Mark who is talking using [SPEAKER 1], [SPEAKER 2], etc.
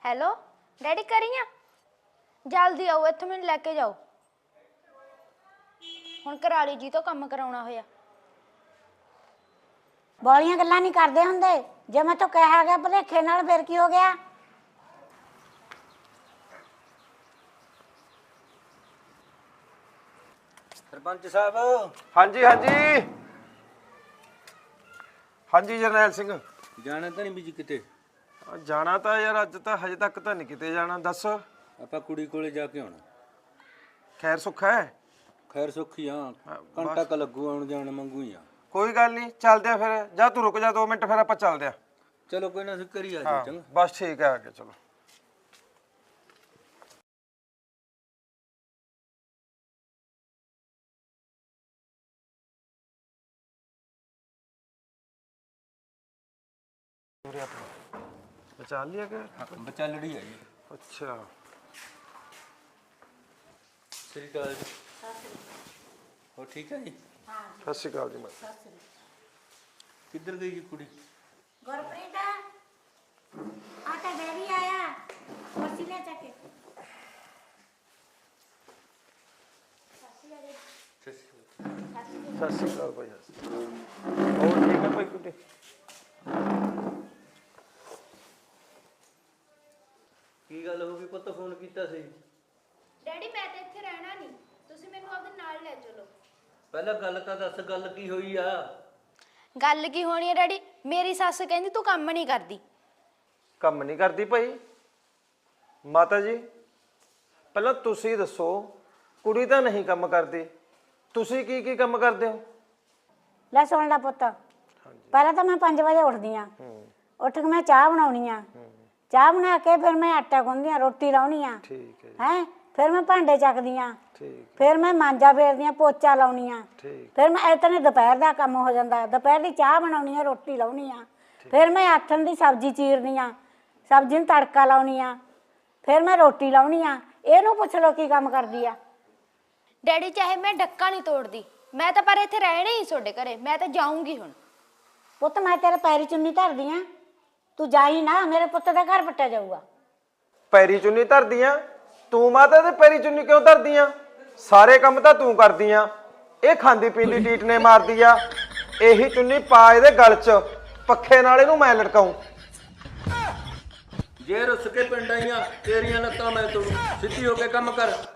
[SPEAKER 1] Hello daddy ਕਰੀਆਂ ਜਲਦੀ ਆਓ ਇੱਥੋਂ ਮੈਨੂੰ ਲੈ ਕੇ ਜਾਓ। ਹੁਣ ਕਰਾਲੀ ਜੀ ਤੋਂ ਕੰਮ ਕਰਾਉਣਾ ਹੋਇਆ।
[SPEAKER 2] ਬੋਲੀਆਂ ਗੱਲਾਂ ਨਹੀਂ ਕਰਦੇ ਹੁੰਦੇ। ਜੇ ਮੈਂ ਤਾਂ ਕਿਹਾ ਗਿਆ ਭਲੇਖੇ ਨਾਲ ਫਿਰ ਕੀ ਹੋ ਗਿਆ?
[SPEAKER 3] सरपंच साहब।
[SPEAKER 4] हाँ जी हाँ जी हाँ जी जरनैल सिंह।
[SPEAKER 3] जाना तो नहीं बीजी किते?
[SPEAKER 4] जाना तो यार अज तो हजे तक तो नहीं किते जाना। दस
[SPEAKER 3] ਆਪਾਂ ਕੁੜੀ ਕੋਲੇ ਜਾ ਕੇ ਆਉਣਾ।
[SPEAKER 4] खैर सुख है?
[SPEAKER 3] ਖੈਰ ਸੁੱਖੀ ਆ, ਘੰਟਾ ਕ ਲੱਗੂ ਆਉਣ ਜਾਣ ਮੰਗੂ ਹੀ ਆ।
[SPEAKER 4] कोई गल नहीं चलते हैं फिर। जा तू रुक जा 2 मिनट फिर आप चलते हैं।
[SPEAKER 3] ਚਲੋ ਕੋਈ ਨਾ ਕਰੀ ਆ
[SPEAKER 4] हाँ
[SPEAKER 3] ਜੀ। ਚੰਗਾ
[SPEAKER 4] बस ठीक है आगे चलो। बचा लिया क्या?
[SPEAKER 3] ਬੱਚਾ ਲੜੀ ਆ ਜੀ।
[SPEAKER 4] अच्छा
[SPEAKER 3] ਸ੍ਰੀ ਅਕਾਲ ਜੀ। ਹੋ ਠੀਕ ਹੈ ਜੀ?
[SPEAKER 4] सत श्री अकाल जी। मैं
[SPEAKER 3] ਕਿੱਧਰ ਗਈ ਜੀ ਕੁੜੀ?
[SPEAKER 2] ਗੁਰਪ੍ਰੀਤ ਆ ਤਾਂ ਡੈਡੀ ਆਇਆ, ਕੁਰਸੀ ਲੈ ਚੱਕੇ।
[SPEAKER 4] सत श्री अकाल भाई। और ठीक है भाई कुछ?
[SPEAKER 3] ਕੀ ਗੱਲ ਹੋ ਗਈ ਪੁੱਤ, ਫੋਨ ਕੀਤਾ ਸੀ?
[SPEAKER 1] ਡੈਡੀ ਮੈਂ ਤਾਂ ਇੱਥੇ ਰਹਿਣਾ ਨਹੀਂ, ਤੁਸੀਂ ਮੈਨੂੰ ਆਪਦੇ ਨਾਲ ਲੈ ਚਲੋ।
[SPEAKER 3] ਪਹਿਲਾਂ ਗੱਲ ਤਾਂ ਦੱਸ, ਗੱਲ ਕੀ ਹੋਈ ਆ?
[SPEAKER 1] ਗੱਲ ਕੀ ਹੋਣੀ ਹੈ ਡੈਡੀ? ਮੇਰੀ ਸੱਸ ਕਹਿੰਦੀ ਤੂੰ ਕੰਮ ਨਹੀਂ ਕਰਦੀ।
[SPEAKER 4] ਕੰਮ ਨਹੀਂ ਕਰਦੀ ਭਾਈ? ਮਾਤਾ ਜੀ ਪਹਿਲਾਂ ਤੁਸੀਂ ਦੱਸੋ, ਕੁੜੀ ਤਾਂ ਨਹੀਂ ਕੰਮ ਕਰਦੀ, ਤੁਸੀਂ ਕੀ ਕੀ ਕੰਮ ਕਰਦੇ ਹੋ?
[SPEAKER 2] ਲੈ ਸੁਣ ਲੈ ਪੁੱਤ, ਪਹਿਲਾਂ ਤਾਂ ਮੈਂ 5 ਵਜੇ ਉੱਠਦੀ ਆ। ਉੱਠ ਕੇ ਮੈਂ ਚਾਹ ਬਣਾਉਣੀ ਆ। ਚਾਹ ਬਣਾ ਕੇ ਫਿਰ ਮੈਂ ਆਟਾ ਗੁੰਨਦੀ ਆ, ਰੋਟੀ ਲਾਉਣੀ ਆ।
[SPEAKER 4] ਠੀਕ ਹੈ ਜੀ।
[SPEAKER 2] ਹੈ ਫਿਰ ਮੈਂ ਭਾਂਡੇ ਚੱਕਦੀ ਆ।
[SPEAKER 4] ਠੀਕ
[SPEAKER 2] ਫਿਰ ਮੈਂ ਮਾਂਜਾ ਫੇਰਦੀ ਆ, ਪੋਚਾ ਲਾਉਣੀ ਆ।
[SPEAKER 4] ਠੀਕ
[SPEAKER 2] ਫਿਰ ਮੈਂ ਇਤਨੇ ਦੁਪਹਿਰ ਦਾ ਕੰਮ ਹੋ ਜਾਂਦਾ। ਦੁਪਹਿਰ ਦੀ ਚਾਹ ਬਣਾਉਣੀ ਆ, ਰੋਟੀ ਲਾਉਣੀ ਆ। ਫਿਰ ਮੈਂ ਆਥਣ ਦੀ ਸਬਜ਼ੀ ਚੀਰਨੀ ਆ, ਸਬਜ਼ੀ ਨੂੰ ਤੜਕਾ ਲਾਉਣੀ ਆ। ਫਿਰ ਮੈਂ ਰੋਟੀ ਲਾਉਣੀ ਆ। ਇਹਨੂੰ ਪੁੱਛ ਲਓ ਕੀ ਕੰਮ ਕਰਦੀ ਆ।
[SPEAKER 1] ਡੈਡੀ ਚਾਹੇ ਮੈਂ ਡੱਕਾ ਨਹੀਂ ਤੋੜਦੀ, ਮੈਂ ਤਾਂ ਪਰ ਇੱਥੇ ਰਹਿਣਾ ਹੀ ਤੁਹਾਡੇ ਘਰੇ। ਮੈਂ ਤਾਂ ਜਾਊਂਗੀ ਹੁਣ।
[SPEAKER 2] ਪੁੱਤ ਮੈਂ ਤੇਰੇ ਪੈਰੀ ਚੁੰਨੀ ਧਰਦੀ ਆ, ਤੂੰ ਜਾਈ ਨਾ, ਮੇਰੇ ਪੁੱਤ ਦਾ ਘਰ ਪੱਟਿਆ ਜਾਊਗਾ।
[SPEAKER 4] ਪੈਰੀ ਚੁੰਨੀ ਧਰਦੀਆਂ? ਤੂੰ ਮਾਤਾ ਦੇ ਪੈਰੀ ਚੁੰਨੀ ਕਿਉਂ ਧਰਦੀਆਂ? ਸਾਰੇ ਕੰਮ ਤਾਂ ਤੂੰ ਕਰਦੀਆਂ। ਇਹ ਖਾਂਦੀ ਪੀਂਦੀ ਟੀਟ ਨੇ ਮਾਰਦੀ ਆ। ਇਹੀ ਚੁੰਨੀ ਪਾ ਇਹਦੇ ਗਲ 'ਚ, ਪੱਖੇ ਨਾਲ ਇਹਨੂੰ ਮੈਂ ਲਟਕਾਉਂ।
[SPEAKER 3] ਜੇ ਰੁੱਸ ਕੇ ਪਿੰਡ ਆਈਆਂ ਤੇਰੀਆਂ ਲੱਤਾਂ ਮੈਂ ਤੋੜੂ। ਸਿੱਧੀ ਹੋ ਕੇ ਕੰਮ ਕਰ।